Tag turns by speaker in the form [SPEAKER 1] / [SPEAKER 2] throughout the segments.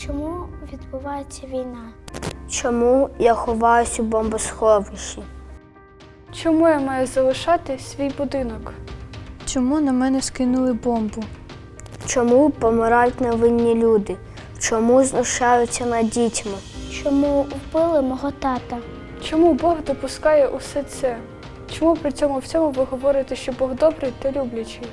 [SPEAKER 1] Чому відбувається війна?
[SPEAKER 2] Чому я ховаюсь у бомбосховищі?
[SPEAKER 3] Чому я маю залишати свій будинок?
[SPEAKER 4] Чому на мене скинули бомбу?
[SPEAKER 2] Чому помирають невинні люди? Чому знущаються над дітьми?
[SPEAKER 1] Чому вбили мого тата?
[SPEAKER 3] Чому Бог допускає усе це? Чому при цьому всьому ви говорите, що Бог добрий та люблячий?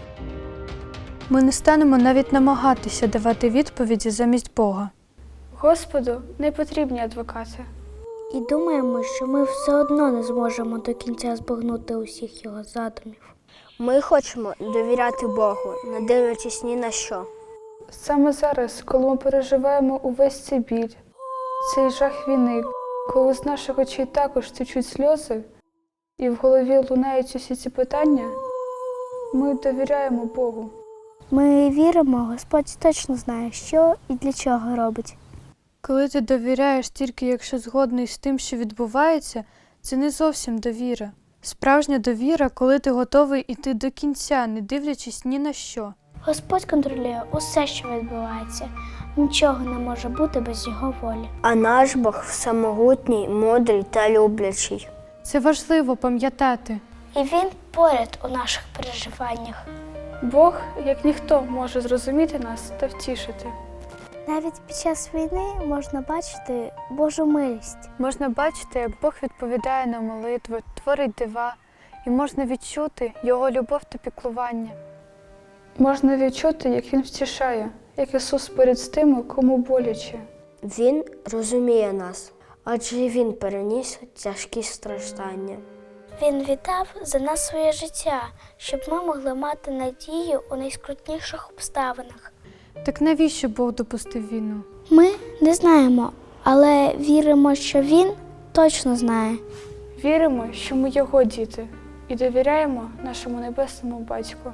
[SPEAKER 4] Ми не станемо навіть намагатися давати відповіді замість Бога.
[SPEAKER 3] Господу не потрібні адвокати.
[SPEAKER 1] І думаємо, що ми все одно не зможемо до кінця збагнути усіх його задумів.
[SPEAKER 2] Ми хочемо довіряти Богу, не дивлячись ні на що.
[SPEAKER 3] Саме зараз, коли ми переживаємо увесь цей біль, цей жах війни, коли з наших очей також течуть сльози, і в голові лунають усі ці питання, ми довіряємо Богу.
[SPEAKER 1] Ми віримо, Господь точно знає, що і для чого робить.
[SPEAKER 4] Коли ти довіряєш тільки якщо згодний з тим, що відбувається, це не зовсім довіра. Справжня довіра, коли ти готовий іти до кінця, не дивлячись ні на що.
[SPEAKER 1] Господь контролює усе, що відбувається. Нічого не може бути без його волі.
[SPEAKER 2] А наш Бог всемогутній, мудрий та люблячий.
[SPEAKER 4] Це важливо пам'ятати.
[SPEAKER 1] І Він поряд у наших переживаннях.
[SPEAKER 3] Бог, як ніхто, може зрозуміти нас та втішити.
[SPEAKER 1] Навіть під час війни можна бачити Божу милість.
[SPEAKER 4] Можна бачити, як Бог відповідає на молитви, творить дива, і можна відчути Його любов та піклування.
[SPEAKER 3] Можна відчути, як Він втішає, як Ісус поряд з тими, кому боляче.
[SPEAKER 2] Він розуміє нас, адже Він переніс тяжкі страждання.
[SPEAKER 1] Він віддав за нас своє життя, щоб ми могли мати надію у найскрутніших обставинах.
[SPEAKER 4] Так навіщо Бог допустив війну?
[SPEAKER 1] Ми не знаємо, але віримо, що Він точно знає.
[SPEAKER 3] Віримо, що ми Його діти, і довіряємо нашому Небесному Батьку.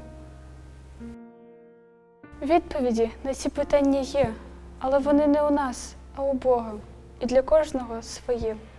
[SPEAKER 3] Відповіді на ці питання є, але вони не у нас, а у Бога, і для кожного своє.